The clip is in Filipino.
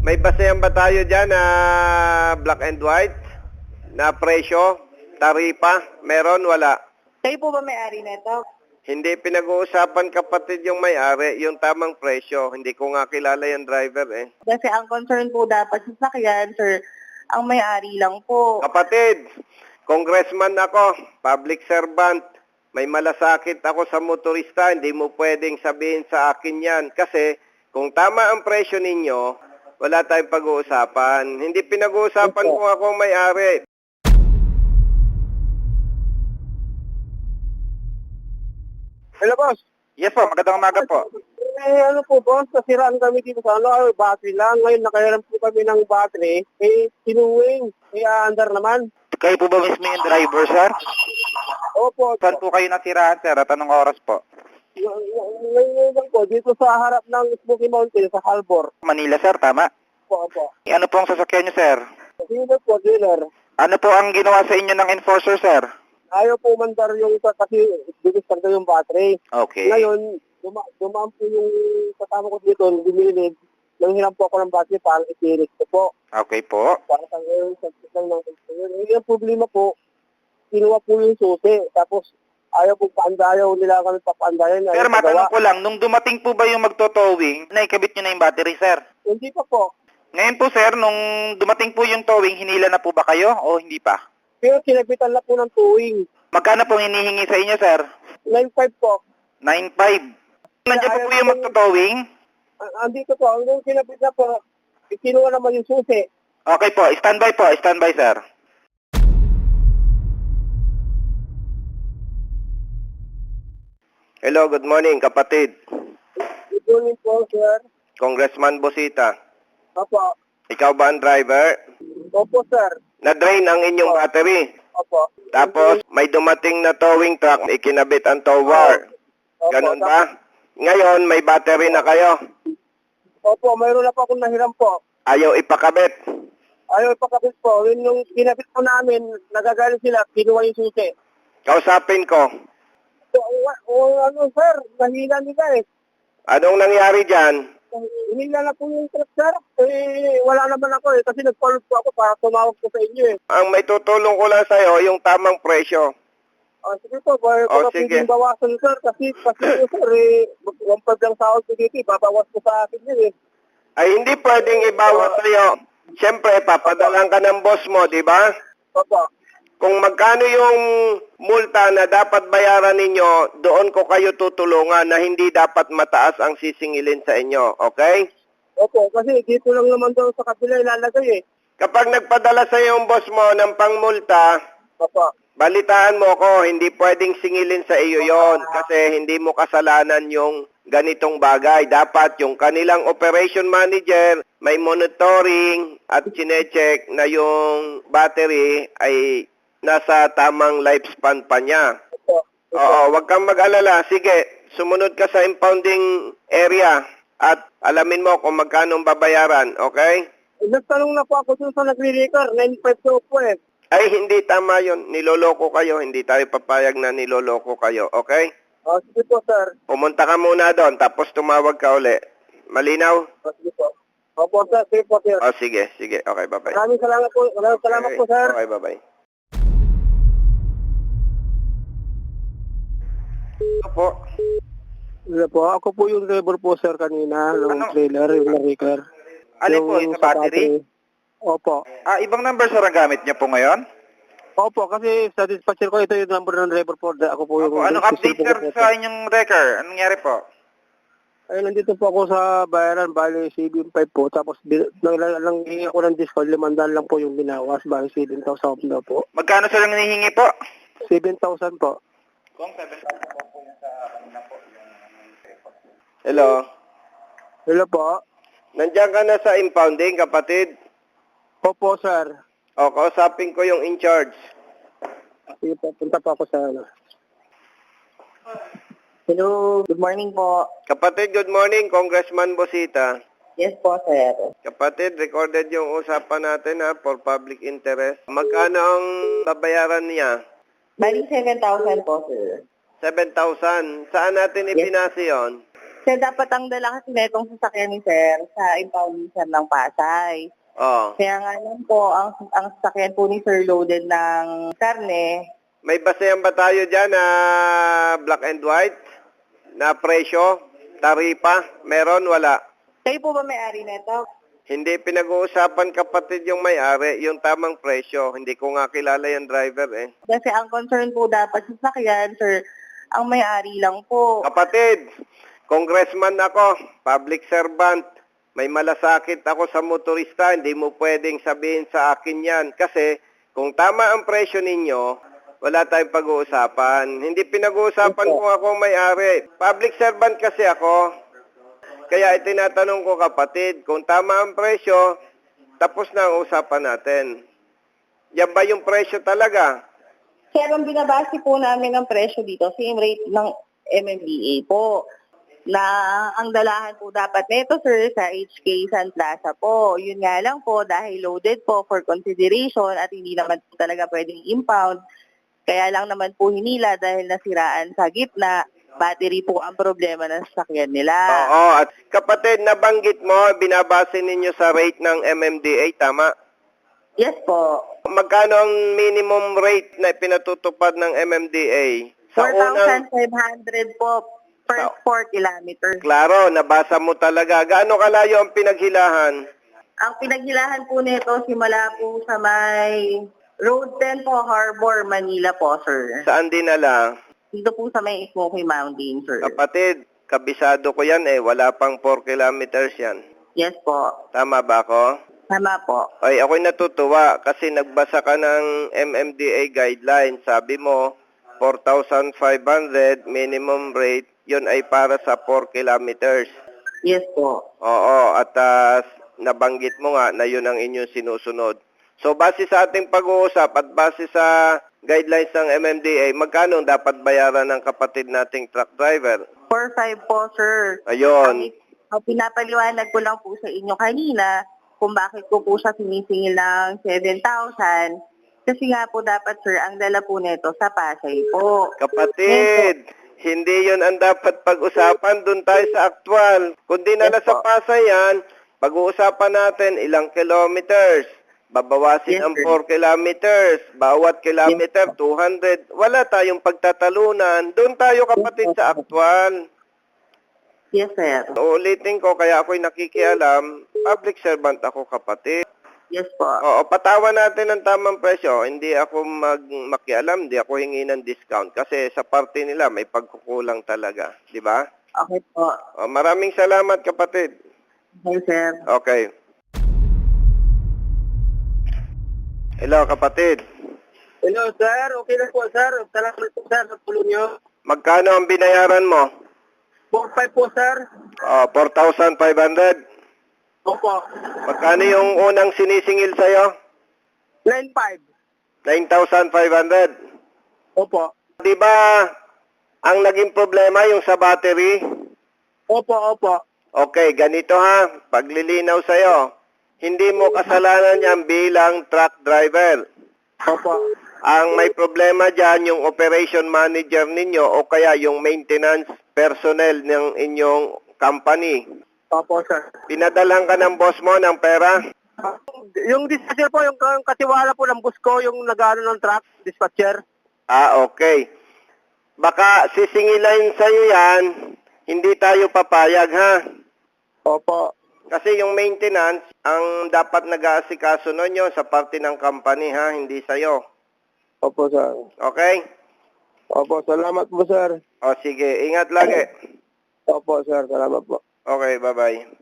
May basehan ba tayo dyan na black and white? Na presyo? Taripa? Meron? Wala? Kayo po ba may-ari nito? Hindi pinag-uusapan kapatid yung may-ari, yung tamang presyo. Hindi ko nga kilala yung driver eh. Kasi ang concern po dapat sa sakyan, sir, ang may-ari lang po. Kapatid, congressman ako, public servant. May malasakit ako sa motorista, hindi mo pwedeng sabihin sa akin yan. Kasi kung tama ang presyo ninyo, wala tayong pag-uusapan. Hindi pinag-uusapan kung ako ang may-ari. Hello, boss. Yes po, magandang umaga po. Ano po, boss, nasiraan kami dito sa battery lang. Ngayon, nakahiram po kami ng battery. Sinuwing, andar naman. Kayo po ba mismo yung driver, sir? Opo. Saan po kayo nasiraan, sir? At anong oras po? Ngayon lang po, dito sa harap ng Smoky Mountain, sa Halbor. Manila, sir, tama? Opo. Ano po ang sasakyan nyo, sir? Dealer po, dealer. Ano po ang ginawa sa inyo ng enforcer, sir? Ayaw po mandar yung kasi bilis yung battery. Okay. Ngayon, dumaan po yung kasama ko dito, dumilid. Nang hiram po ako ng battery para itiris ko po. Okay po. Para sa ngayon, sa lang ng yung problema po, kinuha po yung susi. Tapos, ayaw nila kami papaandayan. Sir, matanong ko lang, nung dumating po ba yung magto-towing, naikabit nyo na yung battery, sir? Hindi pa po. Ngayon po, sir, nung dumating po yung towing, hinila na po ba kayo o hindi pa? Pero kinabitan na po ng towing. Magkano pong hinihingi sa inyo, sir? 9.5 po. 9.5. Nandiyan po po yung magto-towing? Andito po. Nung kinabit na po, kinuha naman yung susi. Okay po, standby po, standby, sir. Hello, good morning kapatid. Good morning po, sir. Congressman Bosita. Opo. Ikaw ba ang driver? Opo, sir. Na-drain ang inyong battery. Opo. Tapos may dumating na towing truck, ikinabit ang tow bar. Opo, Ganun ba? Ngayon may battery na kayo. Opo, mayroon na po akong nahiram po. Ayaw ipakabit. Ayaw ipakabit po. Yung kinabit po namin, nagagalit sila, kinuha yung susi. Kausapin ko. Ano, sir, nahila nila eh. Anong nangyari dyan? Hinila na po yung truck, sir. Wala naman ako eh, kasi nag-follow po ako para tumawag po sa inyo eh. Ang may tutulong ko lang sa'yo, yung tamang presyo. Sige po, baka sige. pwedeng bawasan, sir. Kasi po, sir, 1.5 lang sahod ko dito, babawas ko sa akin yun eh. Ay hindi pwedeng ibawas sa'yo. Siyempre, papadalang ka ng boss mo, di ba? Opo. Kung magkano yung multa na dapat bayaran ninyo, doon ko kayo tutulungan na hindi dapat mataas ang sisingilin sa inyo, okay? Opo, kasi dito lang naman daw sa kabila ilalagay eh. Kapag nagpadala sa yung boss mo ng pangmulta, Opo. balitaan mo ko, hindi pwedeng singilin sa iyo yon kasi hindi mo kasalanan yung ganitong bagay. Dapat yung kanilang operation manager may monitoring at chinecheck na yung battery ay nasa tamang lifespan pa niya. Opo. Oo, wag kang mag-alala. Sige, sumunod ka sa impounding area at alamin mo kung magkano ang babayaran, okay? Nagtanong na po ako dun sa nagre-record, 9.5 daw po eh. Ay, hindi tama yon. Niloloko kayo. Hindi tayo papayag na niloloko kayo, okay? Sige po, sir. Pumunta ka muna doon, tapos tumawag ka uli. Malinaw? Sige po. Opo, sir. Sige po, sir. Oh, sige, sige. Okay, bye-bye. Maraming salamat po. Maraming salamat po, sir. Okay, bye-bye. Opo. Ano po? Ako po yung driver po, sir, kanina. Ng trailer, yung na-record. Ano po, yung sa battery? Opo. Ibang number, sir, ang gamit niyo po ngayon? Opo, kasi sa dispatcher ko, ito yung number ng driver po. Ako po yung... Anong update, sir, sa inyong record? Anong nangyari po? Ay, nandito po ako sa bayaran, bali 7.5 po. Tapos, nanghingi ako ng discount, 500 lang po yung binawas, bali 7,000 na po. Magkano, sir, ang hinihingi po? 7,000 po. Kung 7,000 po yung sa kanina po. Hello. Hello po. Nandiyan ka na sa impounding, kapatid? Opo, sir. O, kausapin ko yung in-charge. Sige po, punta po ako sa... Hello, good morning po. Kapatid, good morning. Congressman Bosita. Yes po, sir. Kapatid, recorded yung usapan natin ha, for public interest. Magkano ang babayaran niya? Bali 7,000 po, sir. 7,000. Saan natin ibinase yon? Sir, dapat ang dala kasi na itong sasakyan ni Sir sa impound sir ng Pasay. Oh. Kaya nga lang po, ang sasakyan po ni Sir loaded ng karne. May basehan ba tayo dyan na black and white? Na presyo? Taripa? Meron? Wala? Kayo po ba may-ari nito? Hindi pinag-uusapan kapatid yung may-ari, yung tamang presyo. Hindi ko nga kilala yung driver eh. Kasi ang concern po dapat sa sasakyan, Sir, ang may-ari lang po. Kapatid, congressman ako, public servant. May malasakit ako sa motorista, hindi mo pwedeng sabihin sa akin yan. Kasi kung tama ang presyo ninyo, wala tayong pag-uusapan. Hindi pinag-uusapan kung ako may-ari. Public servant kasi ako. Kaya itinatanong ko kapatid, kung tama ang presyo, tapos na ang usapan natin. Yan ba yung presyo talaga? Sir, ang binabase po namin ng presyo dito, same rate ng MMDA po. Na ang dalahan po dapat nito, sir, sa HK San Plaza po. Yun nga lang po, dahil loaded po for consideration at hindi naman po talaga pwedeng impound. Kaya lang naman po hinila dahil nasiraan sa gitna, battery po ang problema ng sasakyan nila. Oo, at kapatid, nabanggit mo, binabase ninyo sa rate ng MMDA, tama? Yes po. Magkano ang minimum rate na pinatutupad ng MMDA? Sa unang, 4,500 po per 4 kilometers. klaro, nabasa mo talaga. Gaano kalayo ang pinaghilahan? Ang pinaghilahan po nito, simula po sa may Road 10 po, Harbor, Manila po, sir. Saan dinala? Dito po sa may Smoky Mountain, sir. Kapatid, kabisado ko yan eh. Wala pang 4 kilometers yan. Yes po. Tama ba ako? Tama po. Ay, ako'y natutuwa kasi nagbasa ka ng MMDA guidelines. Sabi mo, 4,500 minimum rate. Yun ay para sa 4 kilometers. Yes po. Oo, at nabanggit mo nga na yun ang inyong sinusunod. So, base sa ating pag-uusap at base sa guidelines ng MMDA, magkano dapat bayaran ng kapatid nating truck driver? 4,500 po, sir. Ayun. Ang pinapaliwanag ko lang po sa inyo kanina kung bakit ko po siya sinisingil ng 7,000. Kasi nga po dapat, sir, ang dala po nito sa Pasay po. Kapatid, hindi yun ang dapat pag-usapan. Doon tayo sa actual. Kung dinala sa Pasay yan, pag-uusapan natin ilang kilometers. Babawasin Yes, ang sir. 4 kilometers. Bawat kilometer, 200. Wala tayong pagtatalunan. Doon tayo kapatid sa actual. Yes, sir. Uulitin ko, kaya ako'y nakikialam. Public servant ako kapatid. Yes po. Oo, patawan natin ang tamang presyo. Hindi ako makialam, hindi ako hingi ng discount. Kasi sa parte nila, may pagkukulang talaga. Di ba? Okay po. Maraming salamat kapatid. Okay, sir. Okay. Hello kapatid. Hello, sir. Okay na po, sir. Salamat po, sir, sa tulong nyo. Magkano ang binayaran mo? 4,500 po, sir. 4,500. Opo. Magkano yung unang sinisingil sa'yo? 9,500. 9,500. Opo. Di ba ang naging problema yung sa battery? Opo, opo. Okay, ganito ha. Paglilinaw sa'yo. Hindi mo kasalanan yan bilang truck driver. Opo. Ang may problema dyan, yung operation manager ninyo o kaya yung maintenance personnel ng inyong company. Opo, sir. Pinadalang ka ng boss mo ng pera? Yung dispatcher po, yung katiwala po ng bus ko, yung nag-ano ng truck, dispatcher. Okay. Baka sisingilan sa'yo yan, hindi tayo papayag ha. Opo. Kasi yung maintenance, ang dapat nag-aasikaso nun yun sa parte ng company ha, hindi sa'yo. Opo, sir. Okay? Opo, salamat po, sir. O sige, ingat lagi. Opo, sir. Salamat po. Okay, bye-bye.